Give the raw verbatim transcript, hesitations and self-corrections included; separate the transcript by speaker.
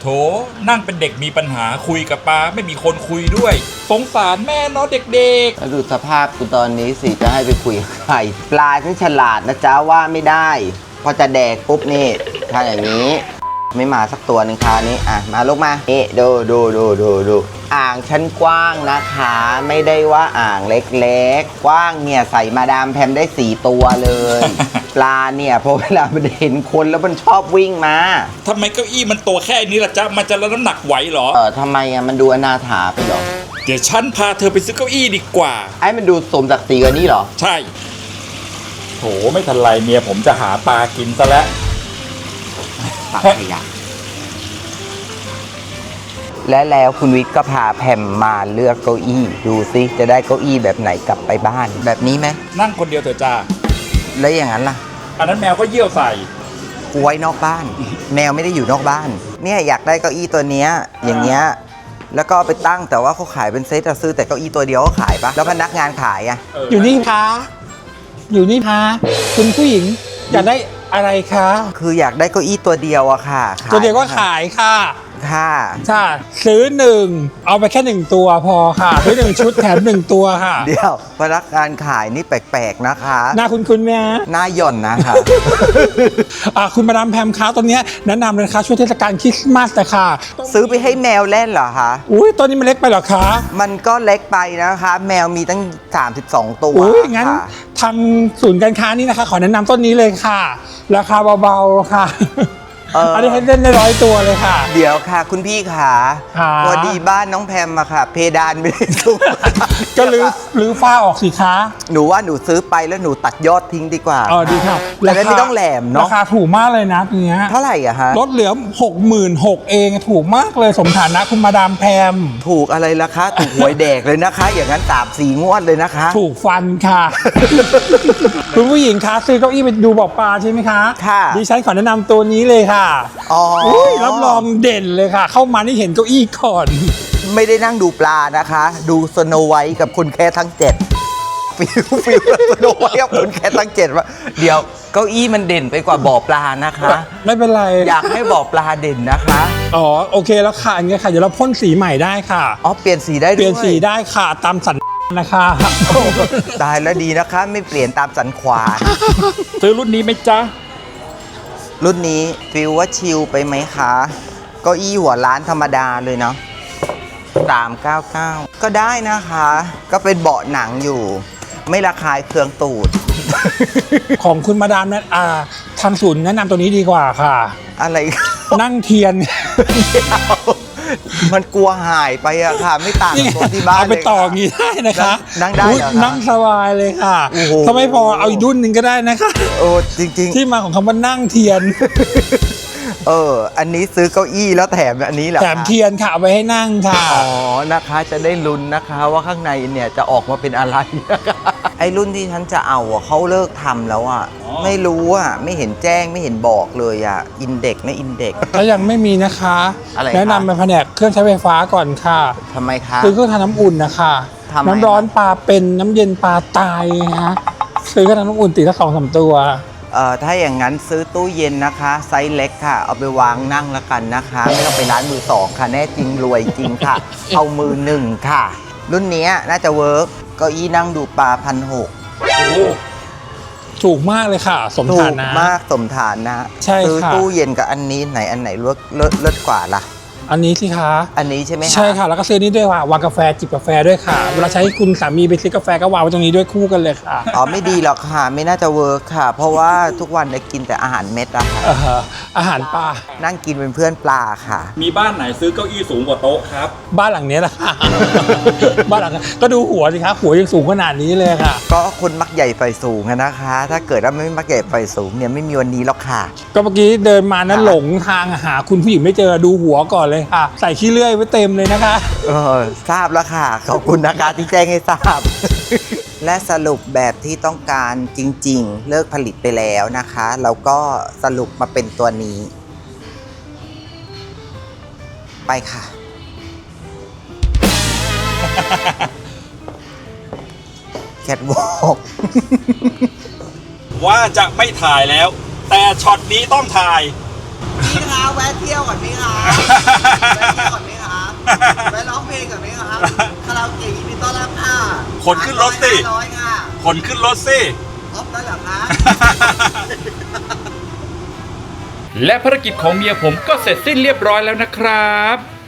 Speaker 1: โถนั่งเป็นเด็กมีปัญหาคุยกับปลาไม่มีคนคุยด้วยสงสารแม่เนาะเด็ก
Speaker 2: ๆดูสภาพกูตอนนี้สิจะให้ไปคุยกับใครปลาฉันฉลาดนะจ๊ะว่าไม่ได้พอจะแดกปุ๊บนี่ถ้าอย่างนี้ไม่มาสักตัวหนึ่งคราวนี้อ่ะมาลูกมาเอ๊ะดูดูดูดูดูอ่างชั้นกว้างนะคะไม่ได้ว่าอ่างเล็กๆกว้างเนี่ยใส่มาดามแพมได้สี่ตัวเลย ปลาเนี่ยพอเวลามันเห็นคนแล้วมันชอบวิ่งมา
Speaker 1: ทำไมเก้าอี้มันตัวแค่นี้ล่ะจ๊ะมันจะรับน้ำหนักไหวเหรอ
Speaker 2: เออทำไมอ่ะมันดูอนาถาไปเหรอ
Speaker 1: เดี๋ยวฉันพาเธอไปซื้อเก้าอี้ดีกว่า
Speaker 2: ไอ้มันดูสมศักดิ์ศรีกว่านี้เหรอ
Speaker 1: ใช่โถไม่ทันไรเมียผมจะหาปลากินซะแล้ว
Speaker 2: ปลาขยะและแล้วคุณวิทย์ก็พาแพมมาเลือกเก้าอี้ดูซิจะได้เก้าอี้แบบไหนกลับไปบ้านแบบนี้ไหม
Speaker 1: นั่งคนเดียวเถอะจ้า
Speaker 2: แล้วอย่างนั้นล่ะ
Speaker 1: อันนั้นแมวก็เยี่ยวใส่
Speaker 2: กูไว้นอกบ้าน แมวไม่ได้อยู่นอกบ้านเนี่ยอยากได้เก้าอี้ตัวเนี้ยอย่างเงี้ยแล้วก็ไปตั้งแต่ว่าเขาขายเป็นเซตซื้อแต่เก้าอี้ตัวเดียวก็ขายปะแล้วพนักงานขายอ่ะ
Speaker 3: อยู่นี่คะอยู่นี่คะคุณผู้หญิงอยากได้อะไรคะ
Speaker 2: คืออยากได้เก้าอี้ตัวเดียวอะค่ะ
Speaker 3: ตัวเดียวก็ขายค่ะ
Speaker 2: ค่ะ
Speaker 3: ใช่ซื้อหนึ่งเอาไปแค่หนึ่งตัวพอค่ะซื้อหนึ่งชุดแถมหนึ่งตัวค่ะ
Speaker 2: เดี๋ยวพนักงานขายนี่แปลกๆนะคะ
Speaker 3: หน้าคุณคุณไหมฮะ
Speaker 2: หน้าหย่อนนะคะ
Speaker 3: อ่าคุณมาดามแพมคะตอนนี้แนะนำเลยค่ะช่วงเทศกาลคริสต์มาสแต่ค่ะ
Speaker 2: ซื้อไปให้แมวเล่นเหรอคะ
Speaker 3: อุ้ยตัวนี้มันเล็กไปเหรอคะ
Speaker 2: มันก็เล็กไปนะคะแมวมีตั้งสามสิบสองตัว
Speaker 3: อุ้ยงั้นทางศูนย์การค้านี่นะคะขอแนะนำต้นนี้เลยค่ะราคาเบาๆค่ะอันนี้ให้เล่นได้ร้อยตัวเลยค่ะ
Speaker 2: เดี๋ยวค่ะคุณพี่ขาพอดีบ้านน้องแพมอะค่ะเพดานไม่ได้สูง
Speaker 3: ก็รื้อรื้อฝ้าออกสิคะ
Speaker 2: หนูว่าหนูซื้อไปแล้วหนูตัดยอดทิ้งดีกว่า
Speaker 3: อ๋อดีค่ะ
Speaker 2: แล้วไม่ต้องแหลมเนาะ
Speaker 3: ราคาถูกมากเลยนะตัวเนี้ย
Speaker 2: เท่าไหร่อะฮะ
Speaker 3: ลดเหลือ หกหมื่นหกพัน เองถูกมากเลยสมฐานะคุณมาดามแพม
Speaker 2: ถูกอะไรล่ะคะถูกหวยแดกเลยนะคะอย่างนั้นสามสี่งวดเลยนะคะ
Speaker 3: ถูกฟันค่ะคุณผู้หญิงคะซื้อเก้าอี้ไปดูบ่อปลาใช่ไหมคะ
Speaker 2: ค่ะ
Speaker 3: ดิฉันขอแนะนำตัวนี้เลยค่ะ
Speaker 2: อ๋อ
Speaker 3: รับรองเด่นเลยค่ะเข้ามานี่เห็นเก้าอี้ก่อน
Speaker 2: ไม่ได้นั่งดูปลานะคะดูสโนไวท์กับคุณแค่ทั้งเจ็ดฟิลฟิลสโนไวท์กับคุณแค่ทั้งเจ็ดว่าเดี๋ยวเก้าอี้มันเด่นไปกว่าบ่อปลานะคะ
Speaker 3: ไม่เป็นไร
Speaker 2: อยากให้บ่อปลาเด่นนะคะ
Speaker 3: อ๋อโอเคแล้วค่ะอย่างเงี้ยค่ะเดี๋ยวเราพ่นสีใหม่ได้ค่ะ
Speaker 2: อ๋อเปลี่ยนสีได้ด้วย
Speaker 3: เปลี่ยนสีได้ค่ะตามสันนะคะ
Speaker 2: ตายแล้วดีนะคะไม่เปลี่ยนตามสันขวาน
Speaker 1: ซื้อรุ่นนี้ไหมจ๊ะ
Speaker 2: รุ่นนี้ฟิลว่าชิลไปไหมคะเก้าอี้หัวร้านธรรมดาเลยเนาะสามเก้าเก้าก็ได้นะคะก็เป็นเบาะหนังอยู่ไม่ระคายเคืองตูด
Speaker 3: ของคุณมาดามนั้นอ่าทางศูนย์แนะนำตัวนี้ดีกว่าค่ะ
Speaker 2: อะไร
Speaker 3: นั่งเทียน
Speaker 2: มันกลัวหายไปอะค่ะไม่ต่างตัวที่บ้าน
Speaker 3: เอาไปต่องี้ได้นะคะ
Speaker 2: นั่งได้เหรอ
Speaker 3: นั่งสบายเลยค่ะถ้าไม่พอเอาอีกรุ่นหนึ่งก็ได้นะคะ
Speaker 2: โอ้จริงๆ
Speaker 3: ที่มาของคำว่านั่งเทียน
Speaker 2: เอออันนี้ซื้อเก้าอี้แล้วแถมอันนี้เหรอ
Speaker 3: แถมเทียนค่ะเอาไว้ให้นั่งค่ะ
Speaker 2: อ๋อนะคะจะได้ลุ้นนะคะว่าข้างในเนี่ยจะออกมาเป็นอะไรไอ้รุ่นที่ฉันจะเอาอะเขาเลิกทำแล้วอ่ะไม่รู้อ่ะไม่เห็นแจ้งไม่เห็นบอกเลยอ่ะอินเด็กไม่อินเด็ก
Speaker 3: ถ้ายังไม่มีนะคะ
Speaker 2: อะไร
Speaker 3: แนะนำเป็นแผนกเครื่องใช้ไฟฟ้าก่อนค่ะ
Speaker 2: ทำไมคะ
Speaker 3: ซื้อเครื่องทำน้ำอุ่นนะคะน้ำร้อนปลาเป็นน้ำเย็นปลาตายฮะซื้อเครื่องทำน้ำอุ่นติดละสองสามตัว
Speaker 2: เอ่อถ้าอย่างนั้นซื้อตู้เย็นนะคะไซส์เล็กค่ะเอาไปวางนั่งละกันนะคะไม่ต้องไปร้านมือสองค่ะแน่จริงรวยจริงค่ะเอามือหนึ่งค่ะรุ่นนี้น่าจะเวิร์กเก้าอี้นั่งดูปลาพันหก
Speaker 3: ถูกมากเลยค่ะสมฐานะ
Speaker 2: ถูกมากสมฐานะ
Speaker 3: ใช่ค่ะ
Speaker 2: ซื้อตู้เย็นกับอันนี้ไหนอันไหนเลิศเลิศเลิศกว่าล่ะ
Speaker 3: อันนี้สิคะ
Speaker 2: อันนี้ใช่ไหม
Speaker 3: ใช่ค่ะแล้วก็ซื้อนี้ด้วยค่ะวางกาแฟจิบกาแฟด้วยค่ะเวลาใช้คุณสามีไปซื้อกาแฟก็วางไว้ตรงนี้ด้วยคู่กันเลยค่ะ
Speaker 2: อ๋อไม่ดีหรอกค่ะไม่น่าจะเวิร์กค่ะเพราะว่าทุกวันได้กินแต่อาหารเม็ดอะค่ะ
Speaker 3: อาหารปลา
Speaker 2: นั่งกินเป็นเพื่อนปลาค่ะ
Speaker 1: มีบ้านไหนซื้อเก้าอี้สูงกว่าโต๊ะครับ
Speaker 3: บ้านหลังนี้แหละค่ะบ้านหลังก็ดูหัวสิคะหัวยังสูงขนาดนี้เลยค่ะ
Speaker 2: ก็คนมักใหญ่ไฟสูงนะคะถ้าเกิดว่าไม่มักใหญ่ไฟสูงเนี่ยไม่มีวันนี้หรอกค่ะ
Speaker 3: ก็เมื่อกี้เดินมานั้นหลงทางหาคุณผู้หญิงไม่เจอดูหัวก่อนเลยค่ะใส่ขี้เลื่อยไว้เต็มเลยนะคะ
Speaker 2: เออทราบแล้วค่ะขอบคุณนะคะที่แจ้งให้ทราบและสรุปแบบที่ต้องการจริงๆเลิกผลิตไปแล้วนะคะแล้วก็สรุปมาเป็นตัวนี้ไปค่ะแคทวอล์ก
Speaker 1: ว่าจะไม่ถ่ายแล้วแต่ช็อตนี้ต้องถ่าย
Speaker 2: พี่คะแวะเที่ยวก่อนพี่คะไปร้องเพลงกับไหมครับคาราโอเกะยินดีต้อนรับค่ะ
Speaker 1: คนขึ้นรถสิ
Speaker 2: ร้อยค่ะ
Speaker 1: คนขึ้นรถสิ
Speaker 2: ออฟได้เหรอคะ
Speaker 1: และภารกิจของเมียผมก็เสร็จสิ้นเรียบร้อยแล้วนะครับ